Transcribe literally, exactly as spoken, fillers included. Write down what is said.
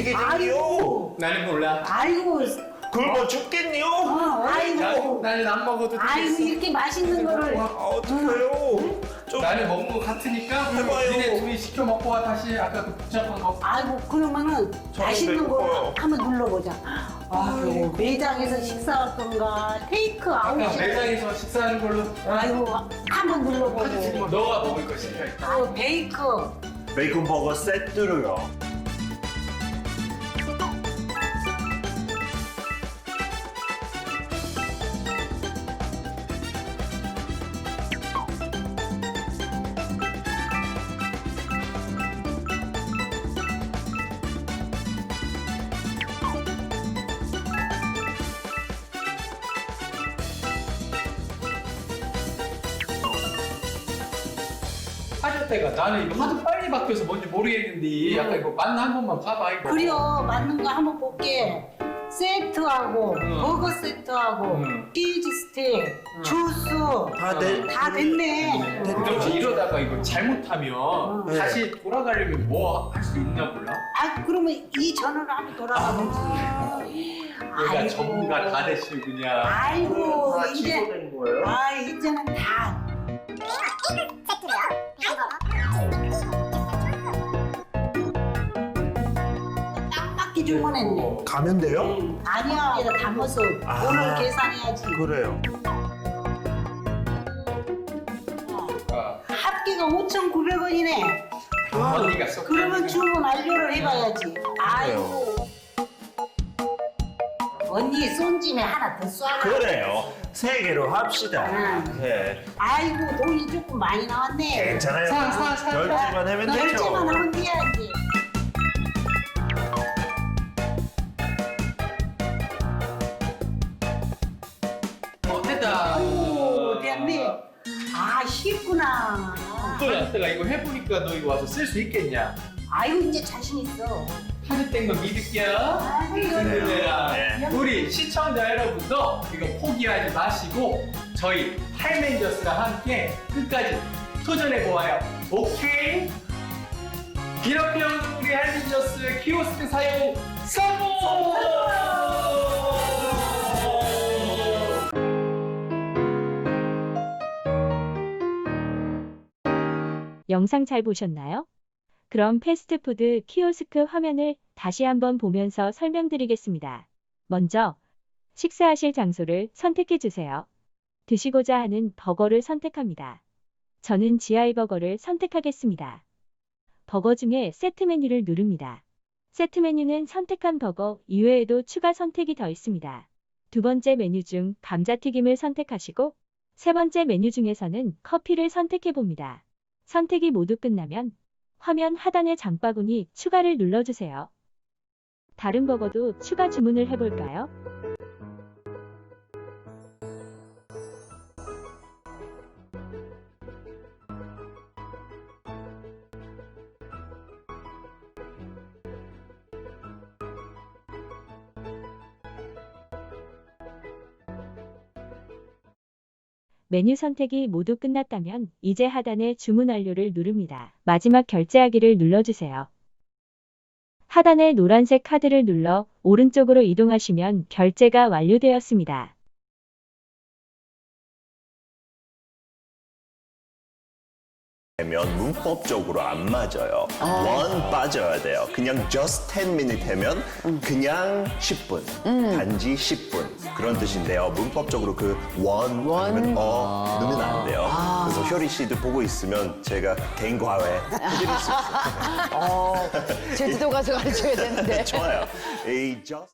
게쟁이요. 나는 몰라. 아이고, 굶어 죽겠니요. 어, 아이고, 나는 안 먹어도 아이고 되겠어. 이렇게 맛있는 거를. 아, 어떡해요. 좀 나는 먹는 거 같으니까 해봐요. 니네 둘이 시켜 먹고 와. 다시 아까 그 복잡한 거. 아이고 그러면은 저는 맛있는 거 배고파요. 한번 눌러보자. 아이고 매장에서 식사할 건가 테이크 아까 아웃. 매장에서 식사하는 걸로. 아이고 한번 눌러보고. 너가 먹을 것이니까 일단. 아 베이크. 베이컨 버거 세트로요. 하셨대가 나는 이거 하도 빨리 바뀌어서 뭔지 모르겠는데 약간 이거 맞나 한 번만 봐봐 이거. 그래요 맞는 거 한번 볼게. 세트하고 응. 버거 세트하고 응. 치즈 스틱, 주스 다 돼. 다 됐네. 근데 혹시 이러다가 이거 잘못하면 네. 다시 돌아가려면 뭐 할 수 있나 몰라? 아 그러면 이 전화로 한번 돌아가 보지. 내가 전문가 다 됐어 그냥. 아이고 다 이제 취소된 거예요? 아 이제는 다 딱 맞게 주문했네. 가면 돼요? 응. 아니야 얘가 담아서 아. 오늘 계산해야지. 그래요. 아, 합계가 오천구백 원이네. 언니가 쏙. 그러면 주문 완료를 해봐야지. 아이고 언니 쏜 짐에 하나 더 쏴라. 그래요. 세 개로 합시다. 응. 네. 아이고 돈이 조금 많이 나왔네. 괜찮아요. 사, 사, 사. 결제만 하면 되죠. 결제만 하면 돼야지. 어, 됐다. 오 됐네. 아 쉽구나. 또 야스가 이거 해보니까 너 이거 와서 쓸 수 있겠냐? 아이고 이제 자신 있어. 하셨던 거 믿을게요. 아이고 흔들려라. 네. 우리 시청자 여러분도 이거 포기하지 마시고 저희 할맨저스랑 함께 끝까지 도전해 보아요. 오케이? 이렇게 우리 할맨저스 키오스크 사용 성공! 영상 잘 보셨나요? 그럼 패스트푸드 키오스크 화면을 다시 한번 보면서 설명드리겠습니다. 먼저 식사하실 장소를 선택해 주세요. 드시고자 하는 버거를 선택합니다. 저는 지아이 버거를 선택하겠습니다. 버거 중에 세트 메뉴를 누릅니다. 세트 메뉴는 선택한 버거 이외에도 추가 선택이 더 있습니다. 두 번째 메뉴 중 감자튀김을 선택하시고 세 번째 메뉴 중에서는 커피를 선택해 봅니다. 선택이 모두 끝나면 화면 하단의 장바구니 추가를 눌러주세요. 다른 버거도 추가 주문을 해볼까요? 메뉴 선택이 모두 끝났다면 이제 하단의 주문 완료를 누릅니다. 마지막 결제하기를 눌러주세요. 하단의 노란색 카드를 눌러 오른쪽으로 이동하시면 결제가 완료되었습니다. 되면 문법적으로 안 맞아요. 원 빠져야 돼요. 그냥 just ten minute 하면 그냥 십 분, 단지 십 분 그런 뜻인데요. 문법적으로 그 원 아니면 어 넣으면 안 돼요. 그래서 효리 씨도 보고 있으면 제가 개인 과외 해드릴 수 있어요. 어, 제주도 가서 가르쳐야 되는데. 좋아요. 이 just